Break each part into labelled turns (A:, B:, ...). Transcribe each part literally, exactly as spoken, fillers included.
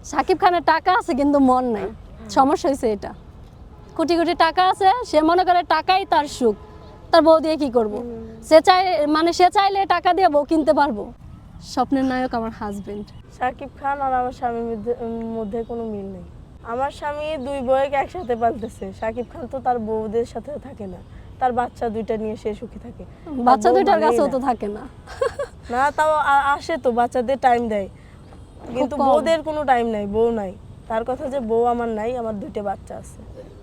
A: সাকিব খানের টাকা আছে কিন্তু মন নাই, সমস্যা হয়েছে এটা। কোটি কোটি টাকা আছে, সে মনে করে টাকাই তার সুখ, তার বউ দিয়ে কি করব। সে চাই মানে সে চাইলে টাকা দিয়ে বউ কিনতে পারবো। স্বপ্নের নায়ক আমার হাজবেন্ড।
B: সাকিব খান আর আমার স্বামীর মধ্যে মধ্যে কোনো মিল নেই। আমার স্বামী দুই বউকে একসাথে পালতেছে, সাকিব খান তো তার বউদের সাথে থাকে না, তার বাচ্চা দুইটা নিয়ে সে সুখী থাকে।
A: বাচ্চা
B: বউ
A: দুইটার
B: মানেই
A: কাছেও
B: না।
A: তো থাকে না।
B: না তাও আ- আসে তো, বাচ্চাদের টাইম দেয়, কিন্তু
A: কম।
B: বউদের কোনো টাইম নাই, বউ নাই। তার কথা যে বউ আমার নাই, আমার দুইটা বাচ্চা আছে।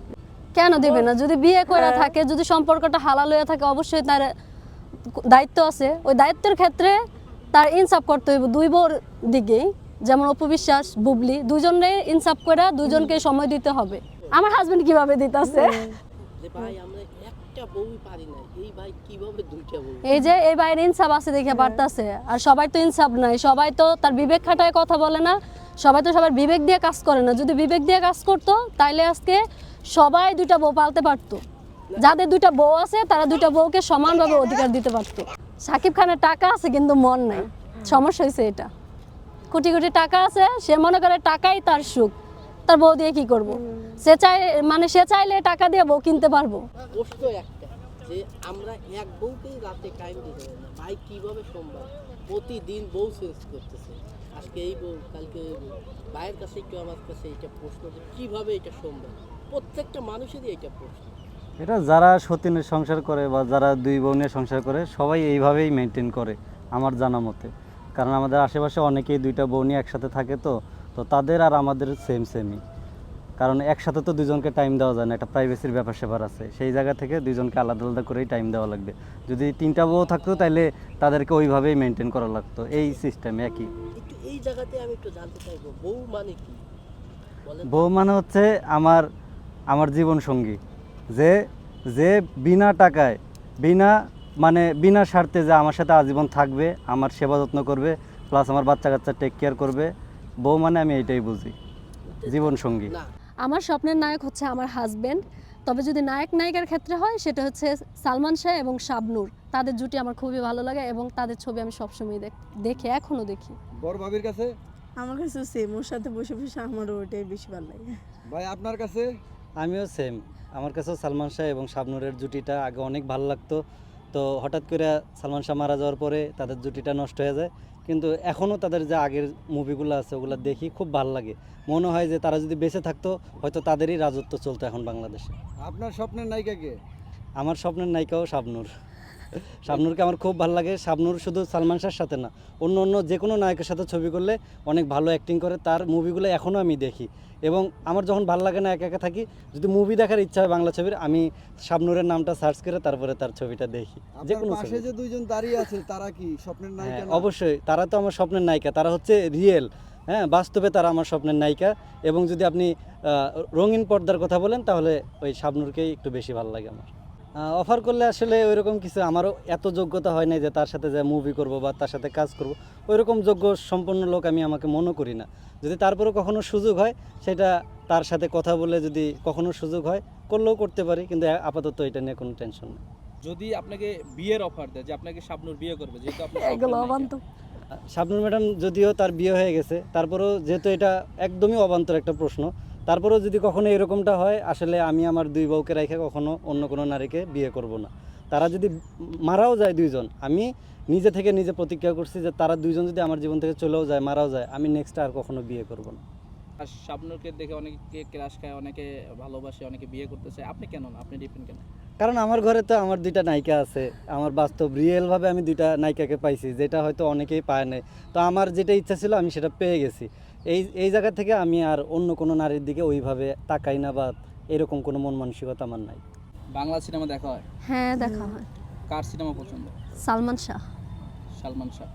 A: কেন দিবে না? যদি বিয়ে করে
B: হ্যাঁ।
A: থাকে, যদি সম্পর্কটা হালাল হয়ে থাকে, অবশ্যই তার দায়িত্ব আছে। ওই দায়িত্বের ক্ষেত্রে তার ইনসাফ করতে হইব দুই বউর দিকেই। যেমন অপু বিশ্বাস, বুবলি, দুজনে ইনসাফ করে দুজনকে সময় দিতে হবে। আমার হাজবেন্ড কিভাবে দিতেছে,
C: যে ভাই আমরা একটা বউই পারি না, এই ভাই কিভাবে দুইটা বউ?
A: এই যে এই বাইরে ইনসাফ আছে দেখে পারতাছে। আর সবাই তো ইনসাফ নাই, সবাই তো তার বিবেক খাটায় কথা বলে না, সবাই তো সবার বিবেক দিয়ে কাজ করে না। যদি বিবেক দিয়ে কাজ করতো তাইলে আজকে সবাই দুইটা বউ পালতে পারতো। যাদের দুইটা বউ আছে তারা দুইটা বউকে সমানভাবে অধিকার দিতে পারতো। সাকিব খানের টাকা আছে কিন্তু মন নাই, সমস্যা হয়েছে এটা। কোটি কোটি টাকা আছে, সে মনে করে টাকাই তার সুখ, তার বউ দিয়ে কি করব। সে চাই মানে সে চাইলে টাকা দিয়ে বউ কিনতে পারবো।
C: প্রশ্ন একটা, যে আমরা এক বউকেই রাতে টাইম দিতে পারি না, ভাই কিভাবে সম্ভব? প্রতিদিন বউ চেঞ্জ করতেছে, আজকে এই বউ কালকে ওই বউ। ভাইয়ের কাছে একটু আমার কাছে এটা প্রশ্ন, যে কিভাবে এটা সম্ভব? প্রত্যেকটা মানুষেরই এটা প্রশ্ন।
D: এটা যারা সতীনের সংসার করে বা যারা দুই বউ নিয়ে সংসার করে সবাই এইভাবেই মেনটেন করে আমার জানা মতে। কারণ আমাদের আশেপাশে অনেকেই দুইটা বউ নিয়ে একসাথে থাকে, তো তো তাদের আর আমাদের সেম সেমই। কারণ একসাথে তো দুজনকে টাইম দেওয়া যায় না, একটা প্রাইভেসির ব্যাপার স্যাপার আছে। সেই জায়গা থেকে দুজনকে আলাদা আলাদা করেই টাইম দেওয়া লাগবে। যদি তিনটা বউ থাকতো তাহলে তাদেরকে ওইভাবেই মেনটেন করা লাগতো, এই সিস্টেম একই।
C: একটু এই জায়গাতে আমি একটু জানতে চাইবো, বউ মানে কি বলেন?
D: বউ মানে হচ্ছে আমার আমার জীবন সঙ্গী, যে যে বিনা টাকায় বিনা মানে বিনা স্বার্থে যে আমার সাথে আজীবন থাকবে, আমার সেবা যত্ন করবে, প্লাস আমার বাচ্চা কাচ্চা টেক কেয়ার করবে। বউ মানে আমি এইটাই বুঝি, জীবন সঙ্গী।
C: না,
A: আমার স্বপ্নের নায়ক হচ্ছে আমার হাজবেন্ড। তবে যদি নায়ক নায়িকার ক্ষেত্রে হয় সেটা হচ্ছে সালমান শাহ এবং শাবনূর। তাদের জুটি আমার খুবই ভালো লাগে এবং তাদের ছবি আমি সবসময় দেখ- দেখি, এখনো দেখি।
E: বড় ভাবির কাছে
B: আমার কাছে সেম, ওর সাথে বসে বসে আমারও ওইটাই বেশি ভালো লাগে।
E: ভাই আপনার কাছে?
D: আমিও সেম, আমার কাছেও সালমান শাহ এবং শাবনূরের জুটিটা আগে অনেক ভালো লাগতো। তো হঠাৎ করে সালমান শাহ মারা যাওয়ার পরে তাদের জুটিটা নষ্ট হয়ে যায়, কিন্তু এখনও তাদের যে আগের মুভিগুলো আছে ওগুলো দেখি, খুব ভালো লাগে। মনে হয় যে তারা যদি বেঁচে থাকতো হয়তো তাদেরই রাজত্ব চলতো এখন বাংলাদেশে।
E: আপনার স্বপ্নের নায়িকা কে?
D: আমার স্বপ্নের নায়িকাও শাবনূর। শাবনূরকে আমার খুব ভালো লাগে। শাবনূর শুধু সালমান শাহর সাথে না, অন্য অন্য যে কোনো নায়কের সাথে ছবি করলে অনেক ভালো অ্যাক্টিং করে। তার মুভিগুলো এখনও আমি দেখি, এবং আমার যখন ভালো লাগে না, একা একা থাকি, যদি মুভি দেখার ইচ্ছা হয় বাংলা ছবির, আমি শাবনূরের নামটা সার্চ করে তারপরে তার ছবিটা দেখি, যে
E: আপনার
D: কোনো
E: পাশে
D: ছবি।
E: যে দুইজন দাঁড়িয়ে আছে তারা কি স্বপ্নের নায়িকা?
D: হ্যাঁ
E: না?
D: অবশ্যই, তারা তো আমার স্বপ্নের নায়িকা, তারা হচ্ছে রিয়েল। হ্যাঁ, বাস্তবে তারা আমার স্বপ্নের নায়িকা। এবং যদি আপনি আহ, রঙিন পর্দার কথা বলেন তাহলে ওই শাবনূরকেই একটু বেশি ভালো লাগে আমার। অফার করলে আসলে ওইরকম কিছু আমারও এত যোগ্যতা হয় না যে তার সাথে যে মুভি করব বা তার সাথে কাজ করব, ওইরকম যোগ্য সম্পন্ন লোক আমি আমাকে মনে করি না। যদি তারপরেও কখনো সুযোগ হয়, সেটা তার সাথে কথা বলে যদি কখনো সুযোগ হয় করলেও করতে পারি, কিন্তু আপাতত এটা নিয়ে কোনো টেনশন নেই।
F: যদি আপনাকে বিয়ের অফার দেয় যে আপনাকে শাবনূর বিয়ে করবে, যেহেতু আপনি
A: এগুলো
F: স্বপ্নের
A: অবান্তর।
D: শাবনূর ম্যাডাম যদিও তার বিয়ে হয়ে গেছে, তারপরেও যেহেতু এটা একদমই অবান্তর একটা প্রশ্ন, তারপরেও যদি কখনো এরকমটা হয়, আসলে আমি আমার দুই বউকে রেখে কখনো অন্য কোনো নারীকে বিয়ে করব না। তারা যদি মারাও যায় দুইজন, আমি নিজে থেকে নিজে প্রতিজ্ঞা করছি যে তারা দুইজন যদি আমার জীবন থেকে চলেও যায়, মারাও যায়, আমি নেক্সট আর কখনো বিয়ে করব না।
F: আর শাবনূরকে দেখে অনেকে ক্রাশ খায়, অনেকে ভালোবাসে, অনেকে বিয়ে করতে চায়, আপনি কেন না? আপনি ডিফারেন্ট কেন?
D: কারণ আমার ঘরে তো আমার দুইটা নায়িকা আছে, আমার বাস্তব রিয়েলভাবে আমি দুইটা নায়িকাকে পাইছি, যেটা হয়তো অনেকেই পায় নাই। তো আমার যেটা ইচ্ছা ছিল আমি সেটা পেয়ে গেছি। এই এই জায়গা থেকে আমি আর অন্য কোনো নারীর দিকে ওইভাবে তাকাই না, বা এরকম কোনো মন মানসিকতা আমার নাই।
F: বাংলা সিনেমা দেখা হয়?
A: হ্যাঁ, দেখা হয়।
F: কার সিনেমা পছন্দ?
A: সালমান শাহ।
F: সালমান শাহ।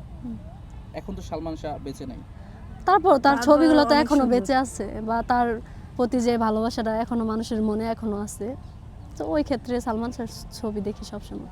F: এখন তো সালমান শাহ বেঁচে নেই।
A: তারপর তার
B: তারপরেও
A: ছবিগুলো তো
B: অনেক
A: এখনো
B: সুন্দর।
A: বেঁচে আছে, বা তার প্রতি যে ভালোবাসাটা এখনো মানুষের মনে এখনো আছে। তো ওই ক্ষেত্রে সালমান শাহর ছবি দেখি সবসময়।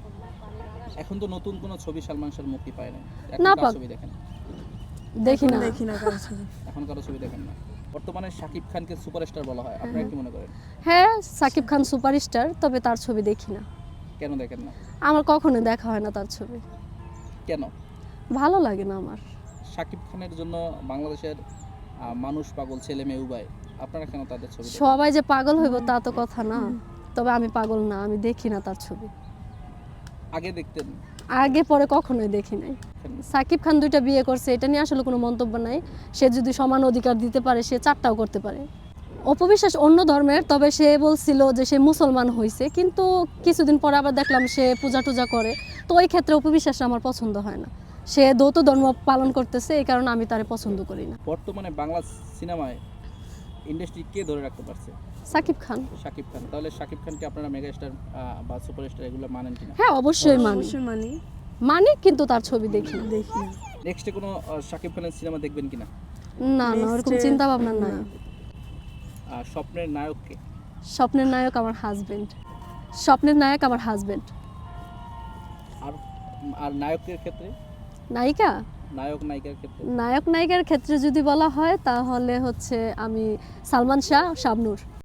F: এখন তো নতুন কোনো ছবি সালমান শাহর মুক্তি পায় না।
A: না
F: এখন কার
A: পাক।
F: ছবি দেখেন?
A: দেখি
B: এখন
A: না।
B: দেখি না কারো ছবি।
F: এখন কারো ছবি দেখেন না। বর্তমানে শাকিব খানকে সুপারস্টার বলা হয়, আপনারা কি মনে করেন?
A: হ্যাঁ, সাকিব খান সুপারস্টার, তবে তার ছবি দেখি না।
F: কেন দেখেন না?
A: আমার কখনো দেখা হয় না তার ছবি,
F: কেন?
A: ভালো লাগে না আমার।
F: শাকিব খানের জন্য বাংলাদেশের আহ, মানুষ পাগল ছেলে মেয়ে উভয়, আপনারা কেন তাদের ছবি দেখেন?
A: সবাই যে পাগল হইব তা তো কথা না, তবে আমি পাগল না, আমি দেখি না তার ছবি,
F: আগে দেখতেন?
A: আগে পরে কখনোই দেখি নাই। সাকিব খান দুইটা বিয়ে করছে, এটা নিয়ে আসলে কোনো মন্তব্য নাই। সে যদি সমান অধিকার দিতে পারে সে চারটাও করতে পারে। অপবিশ্বাস অন্য ধর্মের, তবে সে বলছিল যে সে মুসলমান হয়েছে, কিন্তু কিছুদিন পরে আবার দেখলাম সে পূজা টুজা করে, তো ওই ক্ষেত্রে অপবিশ্বাসটা আমার পছন্দ হয় না। সে দ্বৈত ধর্ম পালন করতেছে, এই কারণে আমি তারে পছন্দ করি না।
F: বর্তমানে বাংলা সিনেমায় ইন্ডাস্ট্রি কে ধরে রাখতে পারছে?
A: সাকিব খান।
F: শাকিব খান। তাহলে শাকিব খানকে আপনারা মেগাস্টার বা সুপারস্টার এগুলো মানেন কিনা?
A: হ্যাঁ অবশ্যই মানি,
B: অবশ্যই মানি,
A: মানি, কিন্তু তার ছবি দেখি না।
B: দেখি না।
F: নেক্সটে কোনো আহ, শাকিব খানের সিনেমা দেখবেন কিনা?
A: না না, ওরকম
B: Next এ-
A: চিন্তা ভাবনা নাই।
F: আহ, স্বপ্নের নায়ককে?
A: স্বপ্নের নায়ক আমার হাজবেন্ড, স্বপ্নের নায়ক আমার হাজবেন্ড।
F: আর আর নায়কের ক্ষেত্রে?
A: নায়িকা,
F: নায়ক নায়িকার ক্ষেত্রে?
A: নায়ক নায়িকার ক্ষেত্রে যদি বলা হয় তাহলে হচ্ছে আমি সালমান শাহ, শাবনূর।